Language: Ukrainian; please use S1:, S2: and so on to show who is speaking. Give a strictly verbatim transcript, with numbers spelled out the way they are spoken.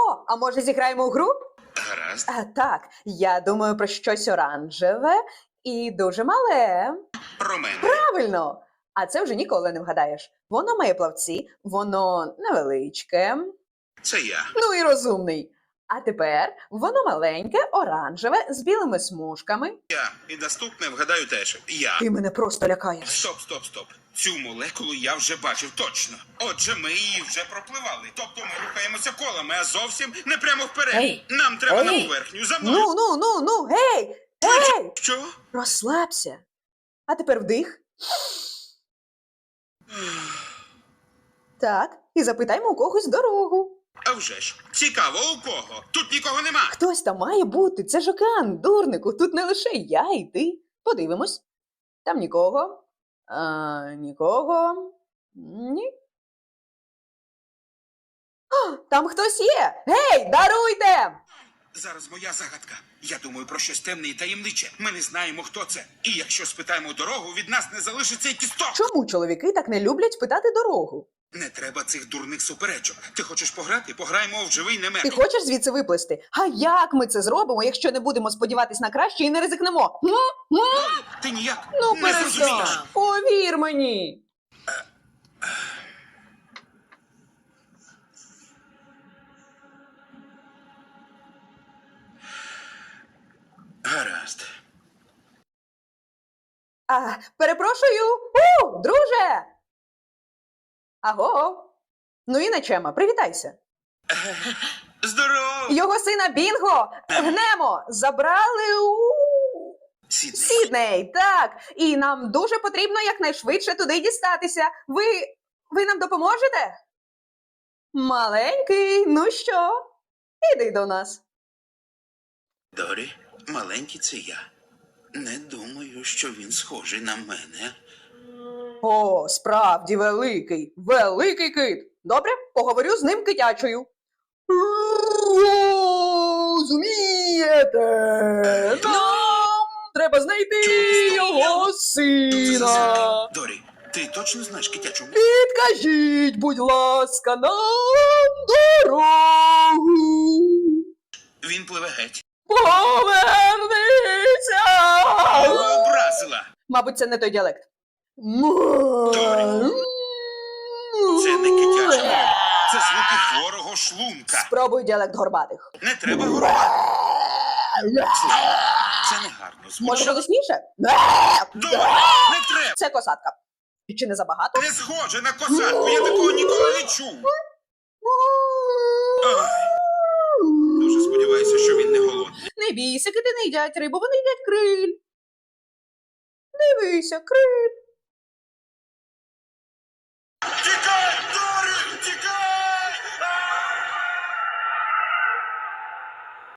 S1: О, а може зіграємо у гру?
S2: Гаразд.
S1: А, так, я думаю про щось оранжеве і дуже мале.
S2: Про мене.
S1: Правильно! А це вже ніколи не вгадаєш. Воно має плавці, воно невеличке,
S2: Це я.
S1: ну і розумний. А тепер воно маленьке, оранжеве, з білими смужками.
S2: Я. І наступне вгадаю теж. Я.
S1: Ти мене просто лякаєш.
S2: Стоп, стоп, стоп. Цю молекулу я вже бачив точно. Отже, ми її вже пропливали. Тобто ми рухаємося колами, а зовсім не прямо вперед.
S1: Ей!
S2: Нам треба на
S1: Ей!
S2: поверхню. За мною.
S1: Ну, ну, ну, ну, гей! Гей!
S2: Що?
S1: Розслабся. А тепер вдих. Так, і запитаймо у когось дорогу.
S2: А вже ж. Цікаво, у кого? Тут нікого нема.
S1: Хтось там має бути, це ж океан, дурнику, тут не лише я і ти. Подивимось. Там нікого. А, нікого. Ні. О, там хтось є! Гей, даруйте!
S2: Зараз моя загадка. Я думаю про щось темне і таємниче. Ми не знаємо, хто це. І якщо спитаємо дорогу, від нас не залишиться й кісток.
S1: Чому чоловіки так не люблять питати дорогу?
S2: Не треба цих дурних суперечок. Ти хочеш пограти? Пограємо в живий не
S1: Ти
S2: мертвий.
S1: хочеш звідси виплисти? А як ми це зробимо, якщо не будемо сподіватись на краще і не ризикнемо? М? М?
S2: Ти ніяк
S1: Ну,
S2: не
S1: перестань.
S2: зрозумієш.
S1: Повір мені.
S2: Гаразд.
S1: А, перепрошую. У, друже. Аго. Ну і Начема, привітайся.
S2: Здорово!
S1: Його сина Бінго, Гнемо, забрали у
S2: Сідней.
S1: Сідней, так. І нам дуже потрібно якнайшвидше туди дістатися. Ви, ви нам допоможете? Маленький, ну що? Іди до нас.
S2: Дорі, маленький це я. Не думаю, що він схожий на мене.
S1: О, справді великий, великий кит. Добре, поговорю з ним китячою. Розумієте? Нам треба знайти його сина.
S2: Дорі, ти точно знаєш китячу мову?
S1: Підкажіть, будь ласка, нам дорогу.
S2: Він пливе геть.
S1: Повернися!
S2: Його образила.
S1: Мабуть, це не той діалект.
S2: Це не китяча мова. Це звуки хворого шлунка.
S1: Спробуй діалект горбатих.
S2: Не треба горувати. Слухай, це не гарно
S1: Може,
S2: звучить.
S1: голосніше?
S2: Дорі, не треба.
S1: Це косатка. Чи не забагато?
S2: Не схоже на косатку, я такого ніколи не чув. Ой, дуже сподіваюся, що він не голодний.
S1: Не бійся, кити не їдять рибу, вони їдять криль. Дивися, криль.